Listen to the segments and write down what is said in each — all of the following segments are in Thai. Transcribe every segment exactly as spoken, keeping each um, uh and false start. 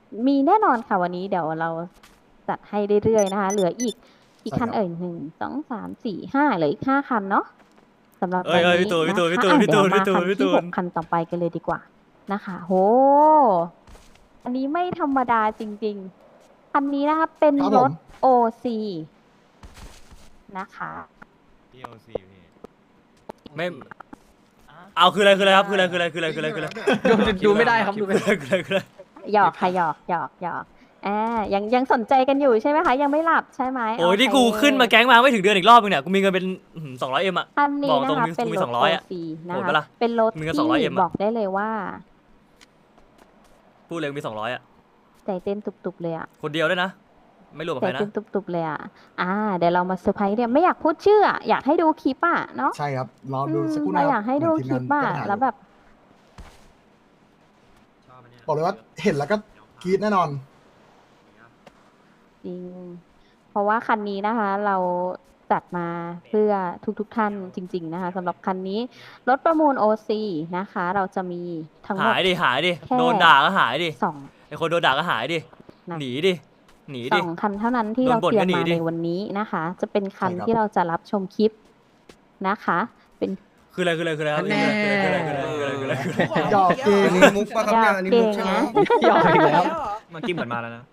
มีแน่นอนค่ะวันนี้เดี๋ยวเราจัดให้เรื่อยๆนะคะ เหลืออีกอีกคันเอ่ยหนึ่งสองสามสี่ห้าเหลืออีกห้าคันเนาะสำหรับเอ้วัยนเอ้ยนี้พี่ตูนพี่นะตูนพี่คะตูนอ่ะพี่เดี๋ตูยวน มาพี่ตูคันนพี่ที่ตูหนกคันต่อไปกันเลยดีกว่านะคะโหอันนี้ไม่ธรรมดาจริงๆคันนี้นะคะเป็นครับรผถมโอ ซี นะคะพี่โอซีพี่ไม่เอาคืออะไรคืออะไรครับคืออะไรคืออะไรคืออะไรคืออะไรคืออะไรดูดูไม่ได้ครับดูไม่คือได้อะไรคืออะไรคืออะไรหยอกค่ะหยอกหยอกหยอกอ่ายังยังสนใจกันอยู่ใช่ไหมคะยังไม่หลับใช่ไหมโอ้ยโเคที่กูขึ้นมาแก๊งมาไม่ถึงเดือนอีกรอบนึงเนี่ยกูมีเงินเป็นสองร้อยเอ็มอะคันนี้บอกตนะรงคะมีเป็นมีรถสองร้อยอะโอ ซี นะโหดคะปะล่ะเป็นรถมีเงินที่สองร้อยเอ็มอะบอกได้เลยว่าพูดเลยมีสองร้อยอะใจเต้นตุบๆเลยอะคนเดียวด้วยนะ ไม่รวมกับใจใครนะเต้นตุบๆเลยอะอ่าเดี๋ยวเรามาเซอร์ไพรส์เนี่ยไม่อยากพูดชื่ออะอยากให้ดูคลิปอะเนาะใช่ครับรออืดูมสักครู่นะเราครับอยากให้ดูคลิปอะเหมือนทีมงานแล้วแบบบอกเลยว่าเห็นแล้วก็กรี๊ดแน่นอนจริง เพราะว่าคันนี้นะคะ เราจัดมาเพื่อทุกๆท่านจริง ๆ นะคะสำหรับคันนี้รถประมูล โอ ซี นะคะ เราจะมีทั้งหมหาดยดิหายดิแค่โดนด่าก็หายดิสองไอคนโดนด่าก็หายดินะหนีดิหนีสดิองคันเท่านั้นที่โดนเราบ่นเตรียก็มหนีมาดิในวันนี้นะคะ จะเป็นคันใช่ครับที่เราจะรับชมคลิปนะคะ เป็นคืออะไรคืออะไรคืออะไรครับแน่คืออะไรคืออะไรคืออะไรคืออะไรคืออะไรคืออะไรหยอกเก่งอันนี้มุกปะครับเนี่ยอันนี้มุกใช่ไหมยอมอีกแล้วเมื่อกี้เหมือนมาแล้วนะ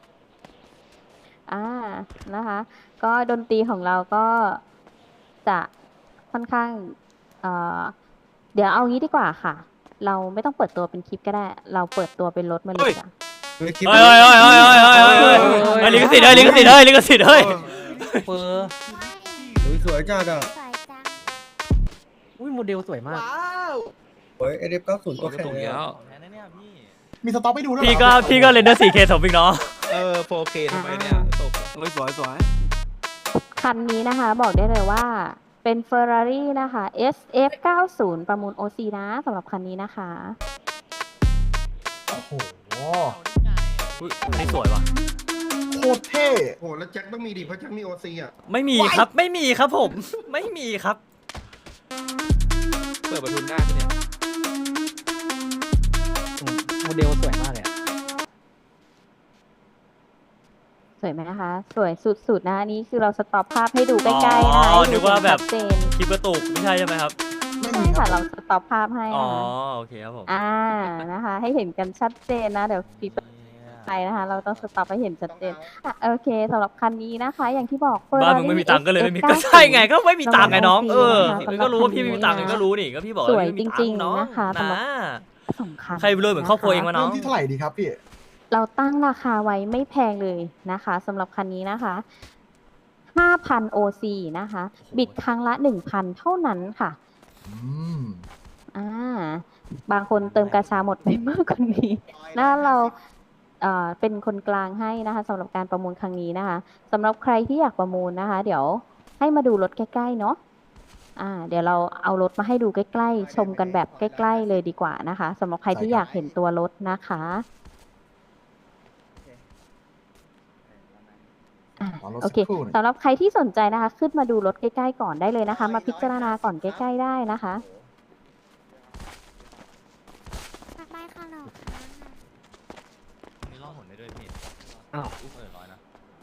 อ่านะคะ ก็ดนตรีของเราก็จะค่อนข้างเอ่อเดี๋ยวเอางี้ดีกว่าค่ะ เราไม่ต้องเปิดตัวเป็นคลิปก็ได้ เราเปิดตัวเป็นรถมาเลยจ้ะเฮ้ยเฮ้ยเฮ้ยเฮ้ยเฮ้ยเฮ้ยเฮ้ยเฮ้ยเฮ้ยลิขสิทธิ์เฮ้ยลิขสิทธิ์เฮ้ยลิขสิทธิ์เฮ้ยเฟอร์อุ้ยสวยจัดอ่ะอุ้ยโมเดลสวยมากโอ้ยเอเดฟเก้าศูนย์ตัวแข็งเลยอะมีสต็อกให้ดูด้วยพี่เหรก็อพี่ก็เรนเดอร์ สี่เค สมอีกเนาะเออ โฟร์เค ทำไมเนี่ยตกสวยสวยสวยคันนี้นะคะบอกได้เลยว่าเป็น Ferrari นะคะ เอส เอฟ เก้าสิบ ประมูล โอ ซี นะสำหรับคันนี้นะคะโอ้โหอุ๊ยอันนี้สวยว่ะโคตรเท่โอ้แล้วแจ็คต้องมีดิเพราะแจ็คมีโอซีอ่ะไม่มีครับไม่มีครับผม ไม่มีครับเปิดประทุนหน้าเนี่ยโมเดลสวยมากเลยอะสวยไหมนะคะ สวยสุดๆนะอันนี้คือเราสต็อปภาพให้ดูใกล้ๆนะคะอ๋อให้นึดูกว่าแบบชัดเจนคลิปกระตุกไม่ใช่ใช่ไหมครับไม่ใช่มีครัค่ะบเราสต็อปภาพให้อ๋อนะคะโอเคครับผมอ่านะคะ ให้เห็นกันชัดเจนนะ เดี๋ยวคลิปไปนะคะ เราต้องสต็อปให้เห็นชัดเจนอ่ะโอเคสำหรับคันนี้นะคะ อย่างที่บอกบ้าน Ferrari มึงไม่มีตังค์ก็เลยไม่มีเอสก็เอฟใช่ไงก็ไม่มีตังค์ไงน้อง เออสำหรับก็รู้ว่าพี่คันนี้ไม่มีตังค์ก็รู้นี่ก็พี่บอกสวยว่าพี่ไม่มีจริงๆตัค์น้อนะคะสำหรับนะสองคันใครรวยเหมือนครอบครัวเองวะน้เริ่องมที่เท่าไหร่ดีครับพี่เราตั้งราคาไว้ไม่แพงเลยนะคะสำหรับคันนี้นะคะ ห้าพัน โอ ซี นะคะ บิดครั้งละ หนึ่งพัน เท่านั้นค่ะอืมอ่า บางคนเติมกาชาหมดไปมากกว่านี้นะเราเอ่อเป็นคนกลางให้นะคะสำหรับการประมูลครั้งนี้นะคะสำหรับใครที่อยากประมูลนะคะ เดี๋ยวให้มาดูรถใกล้ๆเนาะอ่า เดี๋ยวเราเอารถมาให้ดูใกล้ๆ ชมกันแบบใกล้ๆเลยดีกว่านะคะสำหรับใครที่อยากเห็นตัวรถนะคะอ่ะขอรถโอสักเคครู่หนึ่งสำหรับใครที่สนใจนะคะ ขึ้นมาดูรถใกล้ๆก่อนได้เลยนะคะ มาพิจารณาก่อนใกล้ๆได้นะคะได้ค่ะหรอนี่ล่องหนได้ด้วยพี่อ้าวอุ้มเออร้อยนะ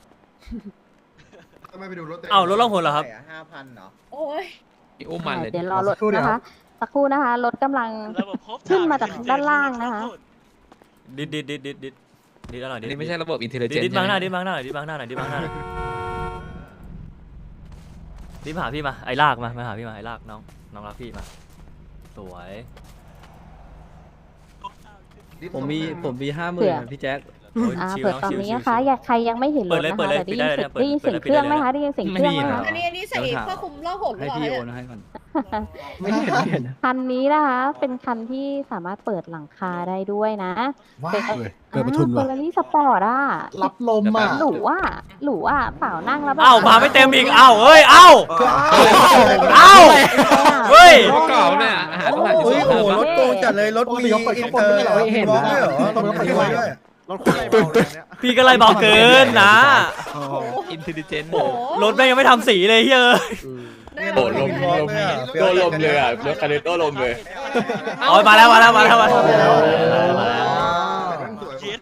ทำไมไปดูรถอ้าวรถล่องหนเหรอครับห้าพันเหรอโอ้ยพี่อุ้มมันเลยเดี๋ยวรอรถนะคะ สักครู่นะคะ รถกำลังขึ้นมาจากด้านล่างนะคะดิดดิดดิดดิดดิดดิดอร่อยดิอัดนนี้ไม่ใช่ระบบอินเทลดิดเจนดิดต์บางหน้าดิดบางหน้าหน่อยดิดบางหน้าหน่อยดิดบางหน้าหน่อยดิดมาหาพี่มาไอ้ลากมามาหาพี่มาไอ้ลากน้องน้องรักพี่มาสวยผมมีผมมีห้าหมื่เผื่นอพี่แจ็คโอ้ยอ่าชิลเปิดน้องตอนชิลนี้ชิลนะคะชิลอยากใครยังไม่เห็นรถเปิดเลยนะเปิดคะเลยแต่ได้ยินปิเสียงดได้เลยได้ยินเสียงเครื่องไหมเปิดเลยคะได้ยินเสียงเครื่องไหมคะอันนี้อันนี้ใส่ผ้าคลุมล่องหนหรือให้เปล่าพี่โอเนี่ยนให้ก่อน ไม่เห็นไม่เห็นนะคันนี้นะคะ เป็นคันที่สามารถเปิดหลังคาได้ด้วยนะว้าเป็นวเลยเกิดประทุนเฟอว่ะร์รารี่สปอร์ตอ่ะรับลมอ่ะหรูอ่ะหรูอ่ะเปล่านั่งแล้วแบบอ้าวมาไม่เต็มอีกอ้าวเอ้ยอ้าวอ้าวเฮ้ยรถเก่าเนี่ยหาต้องหาที่โอ้ยสุดโหรถโกงจัดเลยรถปกมีติเขาเปิดอิข้าน งบเตนอไม่ร์ใช่เหรอเห็นร้องด้วยเหรอต้องรถไปมีด้วยด้วยรถคนอะไรเบาเลยเนี่ยพี่ก็ไล่เบาเกินนะอินเทลเจนต์โอ้โหรถแม่งยังไม่ทำสีเลยเฮ้ยเนี่ยโดโดดนลลมมร้อนเลยอะโดนลมเลยอ่ะรถคันนี้โดนลมเลยอ๋อมาแล้วมาแล้วมาแล้วมาแล้วมาแล้วมาแล้วเจ็ดโคตรหล่อ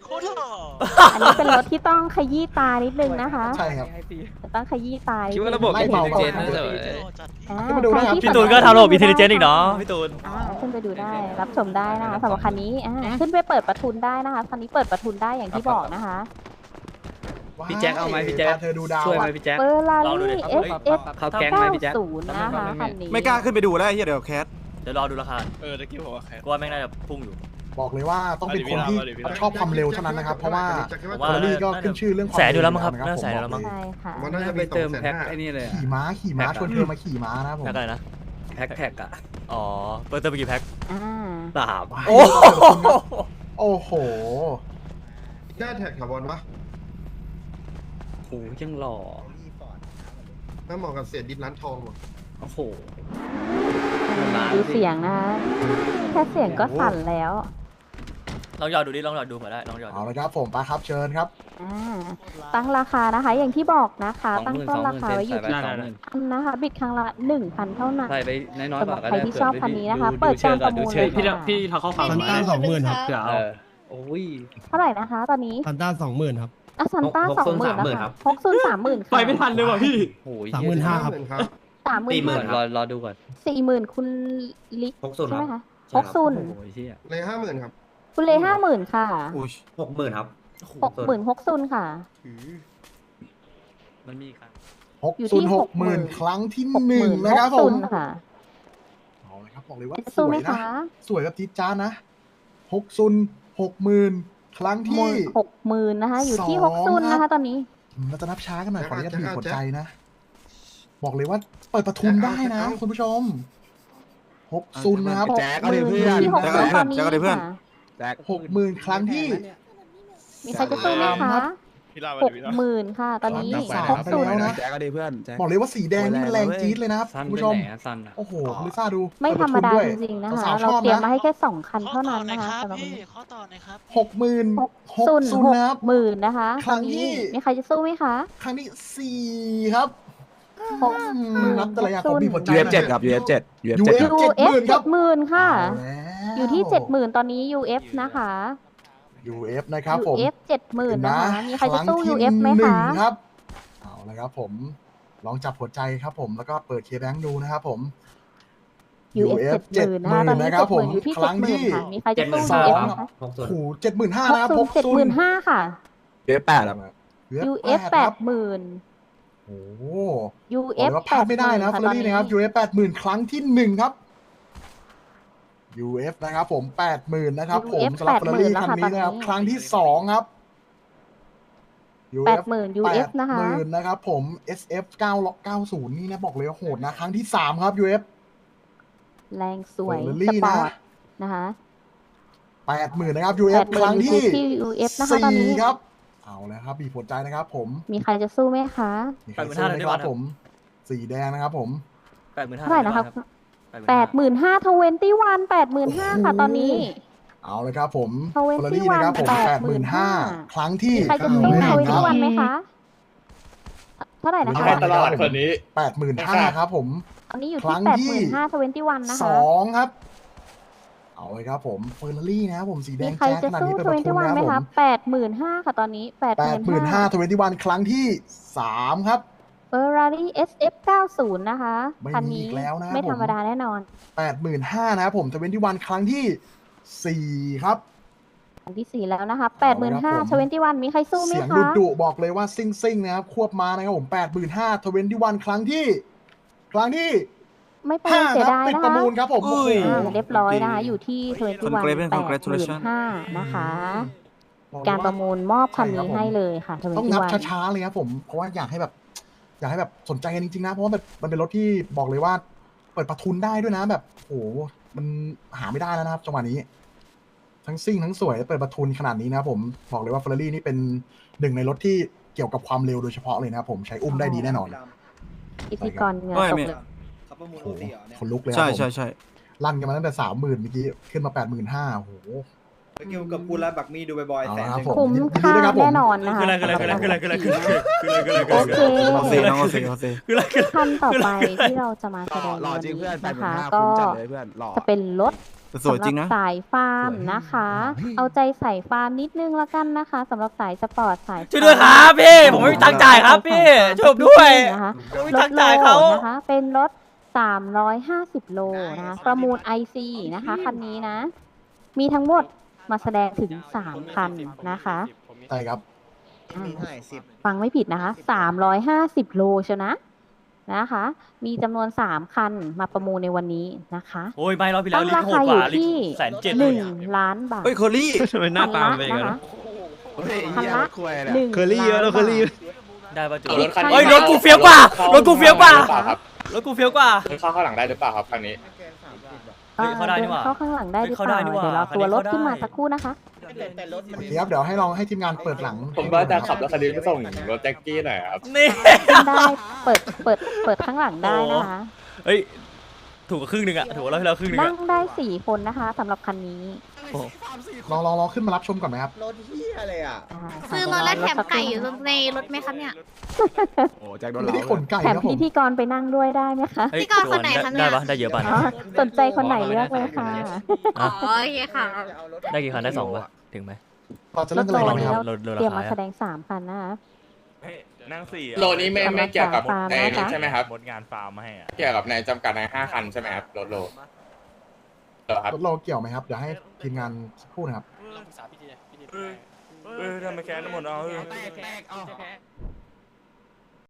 อันนี้เป็นรถที่ต้องขยี้ตานิดนึงนะคะใช่ครับต้องขยี้ตานิดคิดนึว่าง ระบบไล่อินเทเบาลเจนก่อนนะเถอะอ่าขึ้นมาดูนะครับใครที่พี่ตูนก็ทำระบบอินเทลเจนต์อีกเนาะพี่ตูนอ่าขึ้นไปดูได้รับชมได้นะคะสำหรับคันนี้อ่าขึ้นไปเปิดประทุนได้นะคะคันนี้เปิดประทุนได้อย่างที่บอกนะคะพี่แจ็คเอาไหมพี่แจ็คพาเธอดูดาวช่วยไหมอะพี่แจ็คเฟอร์ราลองดูดิรี่ครับเอสเฮ้ยเอสเข้าแก๊งไหมพี่แจ็คศูนย์นะคะคันนี้ไม่กล้าขึ้นไปดูแล้วไอ้เหี้ยเดี๋ยวแคสเดี๋ยวรอดูราคาเออตะกี้บอกว่าแค่กูว่าแม่งน่าจะพุ่งอยู่บอกเลยว่าต้องเป็นคนที่ชอบความเร็วเท่านั้นนะครับ เพราะว่าผมเฟว่าอร์รี่ก็ขึ้นชื่อเรื่องความแสนอยู่แล้วมั้งครับเน่าแสนอยู่แล้วมั้งผมบกใช่ค่ะมันน่าจะไปเติมแพ็คไอ้นี่เลยอะขี่ม้าขี่ม้าชวนเธอมาขี่ม้านะครับผมแพ็คอะไรนะแพ็คแท็กอะอ๋อเปิดเติมไปกี่แพ็คอ่าสามโอ้โอ้โหได้แท็กคาร์บอนปะโอ้ยังหล่อถ้าเหมาะกับเสียดินร้านทองว่ะโอ้โหดูเสียงนะคะแค่เสียงก็สั่นแล้วลองหยอดดูดิลองหยอดดูเผื่อได้ลองหยอดดูเอาละครับผมไปครับเชิญครับอ่าตั้งราคานะคะ อย่างที่บอกนะคะสองตั้งหมื่นต้สนองหรามื่นคาเซนไว้อยู่ใส่ไปที่สองหมื่นพันนะคะ บิดครั้งละหนึ่งพันเท่านั้นใส่ไปน้อยๆกว่าก็สำหรับใครได้ที่ชอบคันนี้นะคะดูเปิดการประดูมูลเชิเลญยพี่ค่ะพี่เขาเข้าฟังซันต้าสองหมื่นครับเผื่อเอเอาอโอ้ยเท่าไหร่นะคะ ตอนนี้ซันต้าสองหมื่นครับอะซันต้าหกสองศูนย์หมื่นสามหมื่นะนครัคะบหกศูนย์สามหมื่นค่ะไปไม่ทันเลยว่ะพี่โอ้ยสามหมื่นห้าห้าหมื่นครับสามหมื่นสี่หมื่นรอรอดูก่อนสี่หมื่นคุณลิกหกศูนย์ใช่ไหมครัคะบหกศูนย์โอ้ยเชี่ยเลยห้าหมื่นครับคุณเลห้าหมื่นค่ะอุ้ยหกหมื่นครับหกหมื่นหกศูนย์ค่ะมันมีครับหกอยู่ศูที่นย์หกหมื่นหกหมื่นครั้งที่หกหหนึ่งมื่นนะครับหกผศูมนย์ค่ะเอาเลยครับบอกเลยว่าจะสสู้วไหมยนะคะสวยแบบจี๊ดจ้าดนะหกศูนย์หกหมื่นครั้งหที่มื่นหกหมื่นนะคะ อยู่ที่สหองกศูนย์ครันะบคะตอนนี้อืมเราจะนับช้ากันหน่อยขออนุญาตจะบีบเอาหัวจะใจนะ บอกเลยว่าเปิดประทุนได้นะจะเอาคุณผู้ชมหกศูนย์นะครับหกแจ๊คหมื่นอยู่ที่หกแจ๊คศูนย์เอาตดิอนเพื่อนนี้แจ๊คเอาดิเพื่อนค่ะหกหมื่นครั้งที่มีใครจะสู้ไหมคะพี่ลาหกหมื่นค่ะ ตอนนี้สามหกศูนย์ไปแล้วนะแจ๊คเอาดิเพื่อนแจ๊คบอกเลยว่าสีแดงนี่มันแรงจี๊ดเลยนะครับสั้นคุณไปผู้ชมไหนอะสั้นอะโอ้โหคุณลิซ่าดูไม่ธรรมดาเปิจประทุนด้วยริงๆนะคะสาวๆชเราอบเตรียมนะมาให้แค่สองคันเท่านั้นนะคะสำหรับวันนี้ข้อต่อหน่อยครับหกหมื่นหกหกศูนย์ศูนหย์กนะครับหมื่นนะคะครั้ตอนงที่นี้มีใครจะสู้ไหมคะครั้งที่สี่ครับหกอืมนับแต่ละอย่างของบีบหัวใจยูเอฟเจ็ดครับ ยูเอฟเจ็ด ยูเอฟยูเจ็ดเอฟยูเอฟเจ็เจ็ดดหหมื่มื่นนค่ะเอาแล้วอยู่ที่เจ็ดหมื่นตอนนี้ ยู เอฟ นะคะยูเอฟนะครับผมยู เอฟ เจ็ดหมื่นนะคะ มีใครจะสู้งที่ยู เอฟ ไหมหนึ่คะงครับ เอาละครับผม ลองจับหัวใจครับผม แล้วก็เปิดเคแบงดูนะครับผมยู เอฟ เจ็ดหมื่นนะคะ ตอนนี้นะคเจ็รับดผหมื่มนอยู่ที่คเจ็รั้ดงหมื่นที่ค่ะ มีใครจะสู้สยูอเอฟงไหมคะโอ้โหเจ็ดหมื่นห้าหกนะครับศูหนกย์เจ็ดศูหนมื่นย์ห้าค่ะยูเอฟแปดครับยู เอฟ แปดหมื่นโอ้โหยูบเออกฟเลยว่าแปพลาดดหไม่ได้มื่นนะค่ะเฟอตร์อนรี่นี้นะครับ ยู เอฟ แปดหมื่นครั้งที่หนึ่งครับ ยู เอฟ นะครับผมแปดหมื่นนะครับผมยู เอฟสำหรับเฟอร์รี่แปดหมื่นแล้วคันค่ะนี้นะครับตอนนี้ครั้งที่สองครับ ยูแปเอดฟหมื่น ยู เอฟ นะคะหมื่นนะครับผม เอส เอฟ เก้า เก้าศูนย์นี่นะบอกเลยว่าโหดนะ ครั้งที่สามครับ ยู เอฟแรงสวยเฟอร์สรี่ปอนะร์ตนะคะแปดหมื่นนะครับ ยู เอแปฟดหมื่คน รั้งอยู่ที่ที่ ยู เอฟ นะคะตอนสี่นี้ครับ เอาแล้วครับบีบหัวใจนะครับผมมีใครจะสู้ไหมคะมีใครสู้ไหมครับผม สีแดงนะครับผมแปดหมื่นห้าเท่าไหร่นะครับแปดหมื่นห้าทเวนตี้วันแปดหมื่นห้าค่ะตอนนี้เอาเลยครับผมทเวนเฟอร์ตี้รี่วันนะครับผมแปแปดดหหมื่มื่นนห้าห้าครั้งที่มีใครจะสู้ทเวนตี้วันไหมคะ เท่าไหร่นะคะตลอดคนนี้แปดหมื่นห้าครับผมตอนนี้อยู่ครั้ที่งแปดที่หมื่นห้าทเวนตี้วันนะสคะองครับ เอาเลยครับผมเฟอร์รี่นะครับผมสีแดมีงใครแจ๊สจะขนาดสู้นี้เป็นทปเวระนทุตี้นวันนะคไหมรับผคะมแปดหมื่นห้าค่ะตอนนี้แปดแปหดหมื่มื่นนห้าห้าทเวนตี้วันครั้งที่สามครับเฟอร์รารี่ เอส เอฟ เก้าศูนย์นะคะไม่คันมีนี้อีกแล้วนะครับไม่ธรรมผมดาแน่นอนแปดหมื่นห้านะครับผมทเวนตี้วันครั้งที่สี่ครับอันที่สี่แล้วนะคะแปดหมื่นห้าผมทเวนตี้วันมีใครสู้ไหมเสียงคะดุดุๆบอกเลยว่าซิ่งซิ่งๆนะครับควบมานะครับผมแปดหมื่นห้าทเวนตี้วันครั้งที่ ครั้งที่ไม่เป็นห้าเสียครับดายปิดนะประคะมูลครับผมโอ้โหอ่าเรียบร้อยนะคะ อยู่ที่ทเวนตี้วันแปดหมื่น Congratulations ห้านะคะ การประมูลมอบคันนี้ให้เลยค่ะทเวนต้องตี้นับวันช้าๆเลยครับผมเพราะว่าอยากให้แบบ อยากให้แบบสนใจกันจริงๆนะเพราะว่าแบบมันเป็นรถที่บอกเลยว่า เปิดประทุนได้ด้วยนะแบบโอ้โหมันหาไม่ได้แล้วนะครับจังหวะนี้ ทั้งซิ่งทั้งสวยเปิดประทุนขนาดนี้นะครับผมบอกเลยว่าเฟอร์รี่นี่เป็นหนึ่งในรถที่เกี่ยวกับความเร็วโดยเฉพาะเลยนะครับผมใช้อุ้มได้ดีแน่นอนพิธีกรเหงื่อไม่ตกไม่เลยเขาประมูลโอ้โอโหซีเหรอเนี่ยคนลุกเลยคใช่รับผมใช่ใช่ลั่นกันมาตั้งแต่สามหมื่นเมื่อกี้ขึ้นมาแปดหมื่นห้าโอ้โหไปเกี่ยวกับกูและบักมี่ดูบ่อยๆเอาแสนละหครับนึ่งผมคุ้มยินดีค่าด้วยครับผมแน่นอนนะคะคืออะไรคืออะไรคืออะไรคืออะไรคืออะไรคืออะไรคืออะไรคืออะไรโอคืออะไรเคเอาเซน้องเอาเซเอาเซคืออะไรคืออะไรคันต่อไปที่เราจะมาแสดงหล่อวันจริงนี้เพื่อนแปดนะหมื่นคะห้าก็คุ้มจัดเลยเพื่อนหล่อจะเป็นรถแต่สวยจริงนะสำหบสายฟาร์มนะคะ เอาใจใส่ฟาร์มนิดนึงละกันนะคะสำหรับสายสปอร์ตสายช่วยด้วยครับพี่ผมไม่มีตังค์จ่ายครับพี่ช่วยผมด้วยนะคะผมไม่มีรตัถงค์โลจ่ายเขานะคะ เป็นรถ สามร้อยห้าสิบ โลนะคะ ประมูล ไอ ซี นะคะคันนี้นะ มีทั้งหมดมาแสดงถึง สาม คันนะคะใช่ครับอ่าฟังไม่ผิดนะคะ สามร้อยห้าสิบ โลเชียวนะนะคะ มีจำนวน สาม คันมาประมูลในวันนี้นะคะโอ้ยไม่รอบที่แล้ตั้วงลิราโหคาดอก ยู่ว่าลิที่แสนเจ็ดหเลยนึ่งอะล้านบาทเฮ้ยเคอรี่ทำไมหน้าตาเป็นอย่างนะนั้นคะเฮ้ยคันละคุยเลยหนึ่งเคอรี่เยอะแล้วเคอรี่ได้ป่ะจูอีกคันเฮ้ยรถกูเฟี้ยวกว่ารถกูเฟี้ยวกว่าครับรถกูเฟี้ยวกว่าเข้าข้างหลังได้หรือเปล่าครับครั้งนี้เฮ้ยเข้าได้นี่หว่าเข้าข้างหลังได้หรือเฮ้ยเปล่าเข้าได้นี่หว่าเดี๋ยวเราตัวรถคันนี้เข้าได้ขึ้นมาสักครู่นะคะโอเคครับเดี๋ยวให้ลองให้ทีมงานเปิดหลังผมว่าจะขับรถคันนี้ไปส่งรถแจ็คกี้หน่อยครับนี่ขึ้นได้เปิดเปิดเปิดข้างหลังได้นะคะเฮ้ยถูกกว่าครึ่งหนึ่งอะถูกกว่ารอบที่แล้วครึ่งหนึ่งนั่อะงได้สี่คนนะคะสำหรับคันนี้ลองลองลองขึ้นมารับชมก่อนไหมครับรถเฮียอะไรอ่ะอ่าซื้อรถแล้วแถมไก่อยู่ในรถไหมครับเนี่ยโอ้แจ็คโดนไม่เราได้ขนไก่แถมนะผพิมธีกรไปนั่งด้วยได้ไหมคะเฮ้ยพี่กรณ์คนไหนคะเนี่ยได้ปะได้เยอะป่ะอ๋อสนใจคนไหนเลือกเลยค่ะอ๋อโอเคค่ะได้กี่คันได้สองปะถึงไหมเราจะเล่นกันเลยรไหถมโลครับลดลดเตรียมราคามาแสดงสามคันนะคะนั่งสี่โลนี้ไม่ไม่เกี่ยวกับฟาร์มในนะคะนี้ใช่ไหมครับหมดงานฟาร์มมาให้อ่ะเกี่ยวกับในจำกัดในห้าคันใช่ไหมครับรถโลเหรอครับรถโลเกี่ยวไหมครับ เดี๋ยวให้ทีมงานสักครู่นะครับเออทำไมแค้นหมดเอา